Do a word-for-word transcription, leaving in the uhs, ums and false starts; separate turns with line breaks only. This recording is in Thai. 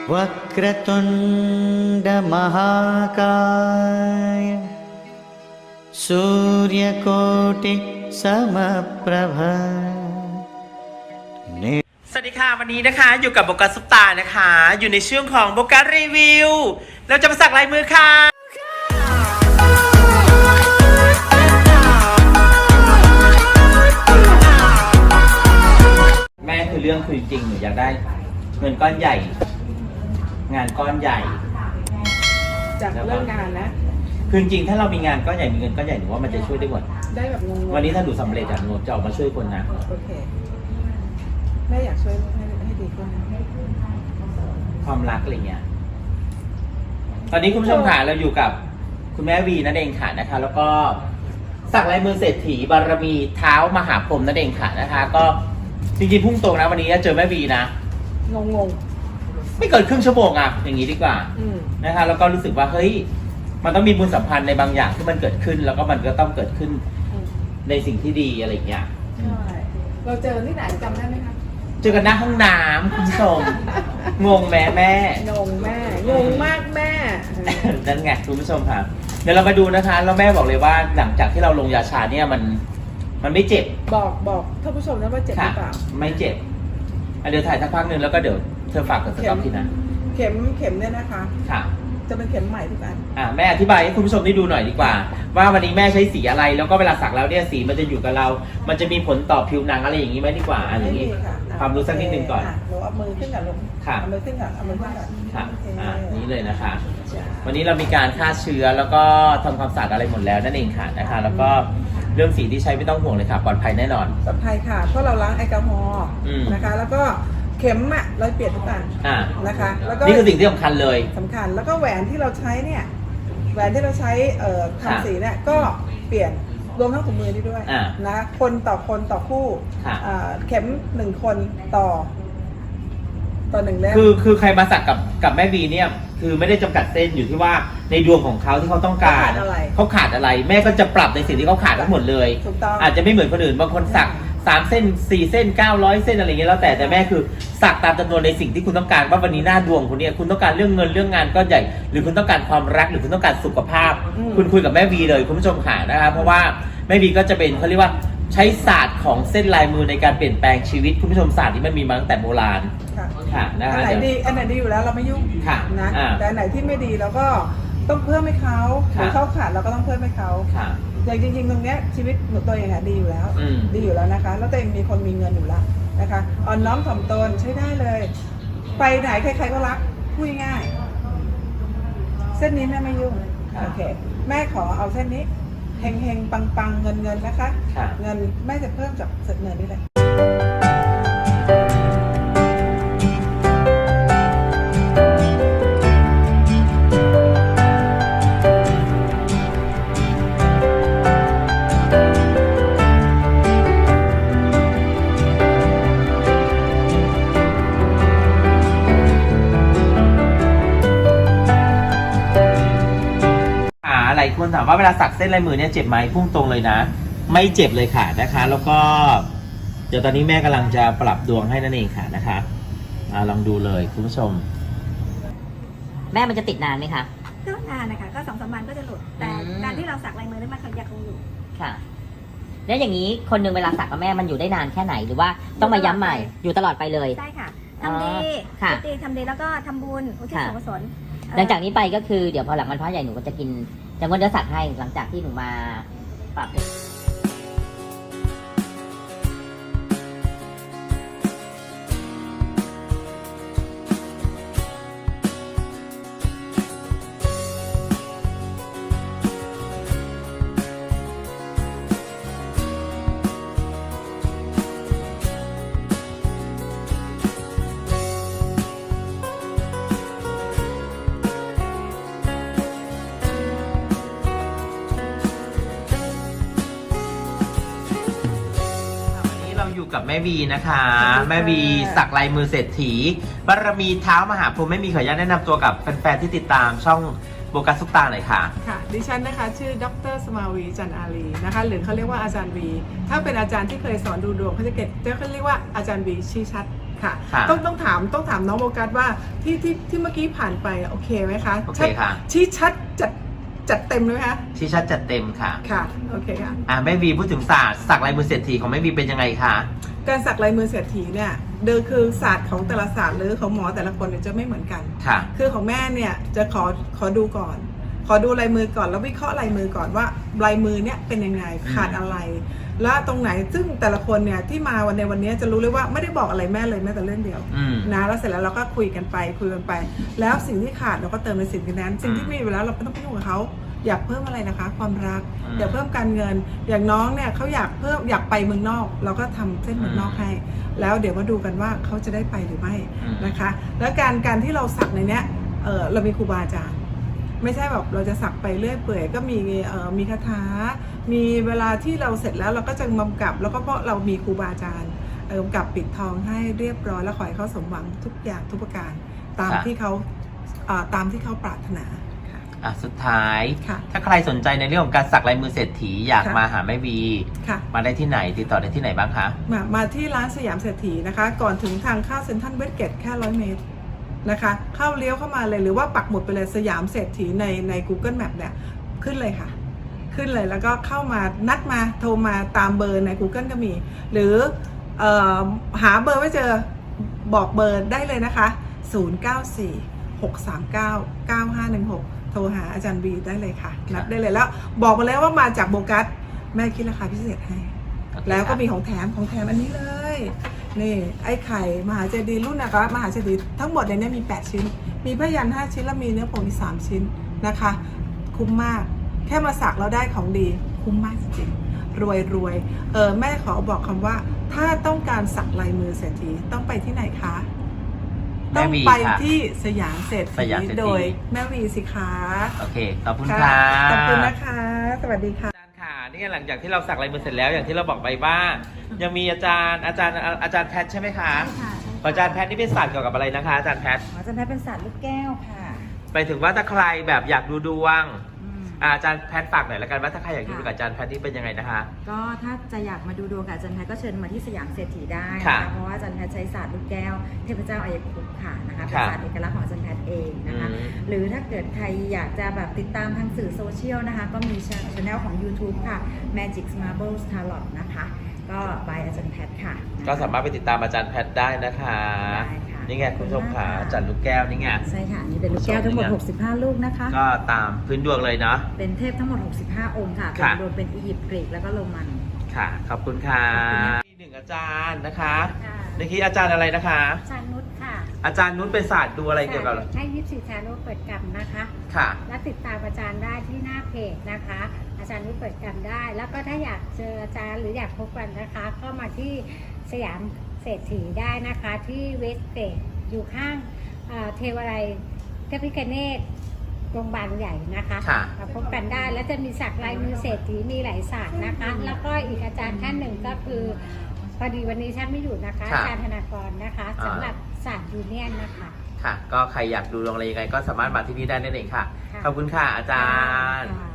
वक्रतुण्डमहाकाय सूर्यकोटिसमप्रभा
สวัสดีค่ะวันนี้นะคะอยู่กับโบกัสซุปตานะคะอยู่ในช่วงของโบกัสรีวิวเราจะมาสักลายมือค่ะแม่คือเรื่องคือจริงหนูอยากได้เงินก้อนใหญ่งานก้อนใหญ่
จากเรื่องงานนะ
คือจริงถ้าเรามีงานก้อนใหญ่มีเงินก้อนใหญ่หนูว่ามันจะช่วยได้หมด
ได้แบบงง
วันนี้ถ้าหนูสำเร็จอะหนูจะออกมาช่วยคนนะ
โอเคแม่อยากช่วยให้ให้ดีขึ้น
ความรักอะไรเงี้ยตอนนี้คุณผู้ชมค่ะเราอยู่กับคุณแม่วีนั่นเองค่ะนะคะแล้วก็สักลายมือเศรษฐีบารมีเท้ามหาพรหมนั่นเองค่ะนะคะก็จริงๆพุ่งตรงนะวันนี้เจอแม่วีนะ
งงง
ไม่เกินครึ่งชั่วโมงอะอย่างนี้ดีกว่านะคะแล้วก็รู้สึกว่าเฮ้ยมันต้องมีบุญสัมพันธ์ในบางอย่างที่มันเกิดขึ้นแล้วก็มันก็ต้องเกิดขึ้นในสิ่งที่ดีอะไรเงี้ย
ใช่เราเจอที่ไหนจำได้ไหมคะ
เจอกันหน้าห้องน้ำคุณผู้ชมงงแม่แม่
งงแม่งงมากแม่
นั่นไงคุณผู้ชมค่ะเดี๋ยวเรามาดูนะคะแล้วแม่บอกเลยว่าหลังจากที่เราลงยาชาเนี่ยมันมันไม่เจ็บ
บอกบอกท่านผู้ชมนะว่าเจ็บหรือเปล่า
ไม่เจ็บเดี๋ยวถ่ายสักพักหนึ่งแล้วก็เดี๋ยวเธอฝากกับสต็อกทีนะ
เข็มเข็มเนี่ยนะคะ
ค่ะ
จะเป็นเข็มใหม่ทุกอัน
อ่าแม่อธิบายให้คุณผู้ชมได้ดูหน่อยดีกว่าว่าวันนี้แม่ใช้สีอะไรแล้วก็เวลาสักแล้วเนี่ยสีมันจะอยู่กับเรามันจะมีผลต่อผิวหนังอะไรอย่างนี้ไหมดีกว่าอันนี้ความรู้สักนิดนึงก่อน
หนูเอามือขึ้นก่อนลงค่ะเอามือขึ้นก่อนเอามือขึ้นก่อน
ค่ะอ่านี้เลยนะคะวันนี้เรามีการฆ่าเชื้อแล้วก็ทำความสะอาดอะไรหมดแล้วนั่นเองค่ะนะคะแล้วก็เรื่องสีที่ใช้ไม่ต้องห่วงเลยค่ะปลอดภัยแน่นอน
ปลอดภัยค่ะเพราะเราล้างแอลกอฮอล์นะคะแล้วก็เข็มอะเราเปลี่ยนทุกอันนะคะแล้วก็
นี่คือสิ่งที่สำคัญเลย
สำคัญแล้วก็แหวนที่เราใช้เนี่ยแหวนที่เราใช้เอ่อทำสีเนี่ยก็เปลี่ยนรวมทั้งถุงมือนี่ด้วยนะคนต่อคนต่อคู่เข็มหนึ่งคนต่อต่อหนึ่งเล่ม
คือคือใครมาสักกับกับแม่บีเนี่ยคือไม่ได้จำกัดเส้นอยู่ที่ว่าในดวงของเขาที่เขาต้องการเขาขาดอะไรแม่ก็จะปรับในสิ่งที่เขาขาดทั้งหมดเลยอาจจะไม่เหมือนคนอื่นบางคนสักสามเส้นสี่เส้นเก้าร้อยเส้นอะไรเงี้ยแล้วแต่แต่แม่คือสักตามจำนวนในสิ่งที่คุณต้องการว่าวันนี้หน้าดวงคุณเนี่ยคุณต้องการเรื่องเงินเรื่องงานก็ใหญ่หรือคุณต้องการความรักหรือคุณต้องการสุขภาพคุณคุยกับแม่วีเลยคุณผู้ชมค่ะนะครับเพราะว่าแม่วีก็จะเป็นเขาเรียกว่าใช้ศาสตร์ของเส้นลายมือในการเปลี่ยนแปลงชีวิตคุณผู้ชมศาสตร์ที่มันมีมาตั้งแต่โบราณ
ค่ะนะคะอันไหนดีอันไหนดีอยู่แล้วเราไม่ยุ่งนะแต่อันไหนที่ไม่ดีเราก็ต้องเพิ่มให้เขาหรือเขาขาดเราก็ต้องเพิ่มให้เขาอย่างจริงๆตรงเนี้ยชีวิตหนูตัวเองอะดีอยู่แล้วดีอยู่แล้วนะคะแล้วตัวเองมีคนมีเงินอยู่แล้วนะคะอ่อนน้อมถ่อมตนใช้ได้เลยไปไหนใครๆก็รักพูดง่ายเส้นนี้แม่ไม่ยุ่งโอเคแม่ขอเอาเส้นนี้เฮงเฮงปังปังเงินเงินนะคะเงินแม่จะเพิ่มจากเสร็จเงินนี่เลย
หลายคนถามว่าเวลาสักเส้นลายมือเนี่ยเจ็บไหมพุ่งตรงเลยนะไม่เจ็บเลยค่ะนะคะแล้วก็เดี๋ยวตอนนี้แม่กำลังจะปรับดวงให้นั่นเองค่ะนะคะอ่าลองดูเลยคุณผู้ชม
แม่มันจะติดนานไหมคะ
ก็นานนะคะก็สองสามวันก็จะหลุดแต่การที่เราสักลายมือนี่มันยังคงอยู่
ค่ะแล้วอย่างนี้คนหนึ่งเวลาสักกับแม่มันอยู่ได้นานแค่ไหนหรือว่าต้องมาย้ำใหม่อยู่ตลอดไปเลย
ใช่ค่ะทำดีทำดีทำดีแล้วก็ทำบุญอุทิศส่วนกุศล
หลังจากนี้ไปก็คือเดี๋ยวพอหลังวันพระใหญ่หนูก็จะกินจะงดเนื้อสัตว์ให้หลังจากที่หนูมาปรับ
อยู่กับแม่บีนะคะแม่บีสักลายมือเศรษฐีบารมีเท้ามหาพรหมไม่มีขออนุญาตแนะนำตัวกับแฟนๆที่ติดตามช่องโบกัสซุปตาหน่อยค่ะ
ค่ะดิฉันนะคะชื่อดร.สมาวีจันอารีนะคะหรือเขาเรียกว่าอาจารย์วีถ้าเป็นอาจารย์ที่เคยสอนดูดวงเขาจะเก็บเขาเรียกว่าอาจารย์วีชี้ชัดค่ะ
ค่ะ
ต้องต้องถามต้องถามน้องโบกัสว่าที่ที่ที่เมื่อกี้ผ่านไปโอเคไหมคะ
โอเค
ชัด
ค่ะ
ชี้ชัดจัดจัดเต็มเลยไหมคะ
ชี้ชัดจัดเต็มค่ะ
ค่ะโอเคค่ะ
อ่าแม่วีพูดถึงศาสตร์สักลายมือเศรษฐีของแม่วีเป็นยังไงคะ
การสักลายมือเศรษฐีเนี่ยเดิมคือศาสตร์ของแต่ละศาสตร์หรือของหมอแต่ละคนเนี่ยจะไม่เหมือนกัน
ค่ะ
คือของแม่เนี่ยจะขอขอดูก่อน ขอดูลายมือก่อนแล้ววิเคราะห์ลายมือก่อนว่าลายมือเนี่ยเป็นยังไงขาดอะไร แล้วตรงไหนซึ่งแต่ละคนเนี่ยที่มาวันในวันนี้จะรู้เลยว่าไม่ได้บอกอะไรแม่เลยแม้แต่เรื่องเดียว
อืม
นะแล้วเสร็จแล้วเราก็คุยกันไปคุยกันไป แล้วสิ่งที่ขาดเราก็เติมในสิ่งนั้น สิ่งที่มีอยู่แล้วเราไม่ต้องไปยุ่งกับเขาอยากเพิ่มอะไรนะคะ ความรัก
อืม
อยากเพิ่มการเงิน อย่างน้องเนี่ยเขาอยากเพิ่มอยากไปเมืองนอก เราก็ทำเส้นเมืองนอกให้ แล้วเดี๋ยวมาดูกันว่าเขาจะได้ไปหรือไม่
อืม
นะคะ แล้วการการที่เราสักในเนี้ยเออเรามีครูบาอาจารย์ ไม่ใช่แบบเราจะสักไปเรื่อยเปื่อยก็มีเอ่อมีคาถา มีเวลาที่เราเสร็จแล้วเราก็จะกำกับ แล้วก็เพราะเรามีครูบาอาจารย์เอ่อกำกับปิดทองให้เรียบร้อยแล้วขอให้เขาสมหวังทุกอย่างทุกประการตาม
ค่ะ
ที่เขาเอ่อตามที่เขาปรารถนาค่ะ
อ่ะสุดท้าย
ค่ะ
ถ้าใครสนใจในเรื่องของการสักลายมือเศรษฐีอยาก
ค่ะ
มาหาแม่วี
ค่ะ
มาได้ที่ไหนติดต่อได้ที่ไหนบ้างคะ
มามาที่ร้านสยามเศรษฐีนะคะ ก่อนถึงทางเข้าเซ็นทรัลเวสเกตแค่ร้อยเมตรนะคะ เข้าเลี้ยวเข้ามาเลยหรือว่าปักหมุดไปเลยสยามเศรษฐีในใน Google Map เนี่ยขึ้นเลยค่ะ ขึ้นเลยแล้วก็เข้ามานัดมาโทรมาตามเบอร์ใน Google ก็มี หรือเออหาเบอร์ไม่เจอบอกเบอร์ได้เลยนะคะ ศูนย์ เก้า สี่ หก สาม เก้า เก้า ห้า หนึ่ง หก โทรหาอาจารย์บีได้เลยค่ะนัดได้เลยแล้วบอกมาแล้วว่ามาจากโบกัสแม่คิดราคาพิเศษให้
โอเค
แล้วก็
ค่ะ
มีของแถมของแถมอันนี้เลย นี่ไอ้ไข่มหาเจดีย์รุ่นนะคะมหาเจดีย์ทั้งหมดในนี้มีแปดชิ้น มีพยัญชนะห้าชิ้นแล้วมีเนื้อผงอีกสามชิ้นนะคะ คุ้มมาก แค่มาสักเราได้ของดีคุ้มมากจริงๆรวยรวยเออแม่ขอบอกคำว่า ถ้าต้องการสักลายมือเศรษฐีต้องไปที่ไหนคะ
แม่
ต้อง
วี
ไป
ค่ะ
ที่สยามเศรษ
ส
ฐี
ยามเศรษฐี
โดยแม่วีสิคะ
โอเคขอบคุณ
ค่ะ
ค่ะ
ขอบคุณนะคะ สวัสดีค่ะ
อาจารย์ค่ะนี่หลังจากที่เราสักลายมือเสร็จแล้วอย่างที่เราบอกไปว่ายังมีอาจารย์อาจารย์อาจารย์แพทย์ใช่ไหมคะ
ใช่ค่ะ
อาจารย์แพทย์นี่เป็นศาสตร์เกี่ยวกับอะไรนะคะอาจารย์แพทย์
หมอจันแพทย์เป็นศาสตร์ลูกแก้วค่ะ
ไปถึงว่าถ้าใครแบบอยากดูดวง
อืม
อ่าอาจารย์แพทย์ฝากหน่อยละกันว่าถ้าใครอยากดูดวงกับอาจารย์แพทย์นี่เป็นยังไงนะคะ
ก็ถ้าจะอยากมาดูดวงกับอาจารย์แพทย์ก็เชิญมาที่สยามเศรษฐีได้
ค่ะ
นะคะเพราะว่าอาจารย์แพทย์ใช้ศาสตร์ลูกแก้วเทพเจ้าอายคุปต์ค่ะนะคะเป็น
ค่ะ
ศาสตร์เอกลักษณ์ของอาจารย์แพทย์เองนะคะ
อืม
หรือถ้าเกิดใครอยากจะแบบติดตามทางสื่อโซเชียลนะคะก็มีช่องของ YouTube ค่ะ Magic Marble Tarot นะคะก็บายอาจารย์แพทย์ค่ะ
ก็สามารถไปติดตามอาจารย์แพทย์ได้นะคะ
ได้ค่ะ
นี่ไงคุณผู้ชมค่ะ
ขอบคุณมากค่ะ
อาจารย์ลูกแก้วนี่ไง
ใช่ค่ะนี่เป็นลูกแก้วทั้งหมด
ชมนี่ไง
หกสิบห้า ลูกนะคะ
ก็ตามพื้นดวงเลยเนาะ
เป็นเทพทั้งหมด หกสิบห้า องค์ค่ะเป็น
ค่ะ
รวมเป็นอียิปต์กรีกแล้วก็โรมัน
ค่ะ ขอบคุณค่ะ
ขอบคุณค่ะ
มีหนึ่งอาจารย์นะคะ
ค่ะ
เมื่อกี้อาจารย์อะไรนะคะ
อาจารย์นุชค่ะ
อาจารย์นุชเป็นศาสตร์ดูอะไรเกี่ยวกับ
ให้ยิปซีชาโนเปิดกรรมนะคะ
ค่ะ
และติดตามอาจารย์ได้ที่หน้าเพจนะคะ อาจารย์นุชเปิดกรรมได้ แล้วก็ถ้าอยากเจออาจารย์หรืออยากพบกันนะคะ ก็มาที่สยามเศรษฐีได้นะคะ ที่เวสเกตอยู่ข้างเอ่อเทวาลัยเทพิคเนตโรงพยาบาลใหญ่นะคะ
ค่ะ
มาพบกันได้แล้วจะมีสักลายมือเศรษฐีมีหลายศาสตร์นะคะ แล้วก็อีกอาจารย์ท่านหนึ่งก็คือพอดีวันนี้ท่านไม่อยู่นะคะ
ค่ะ
อาจารย์ธนากรนะคะ
อ่า
สำหรับศาสตร์ยูเนียนนะคะ
ค่ะ ก็ใครอยากดูดวงอะไรยังไงก็สามารถมาที่นี่ได้นั่นเองค่ะ
ค่ะ
ขอบคุณค่ะอาจารย์
ค่ะ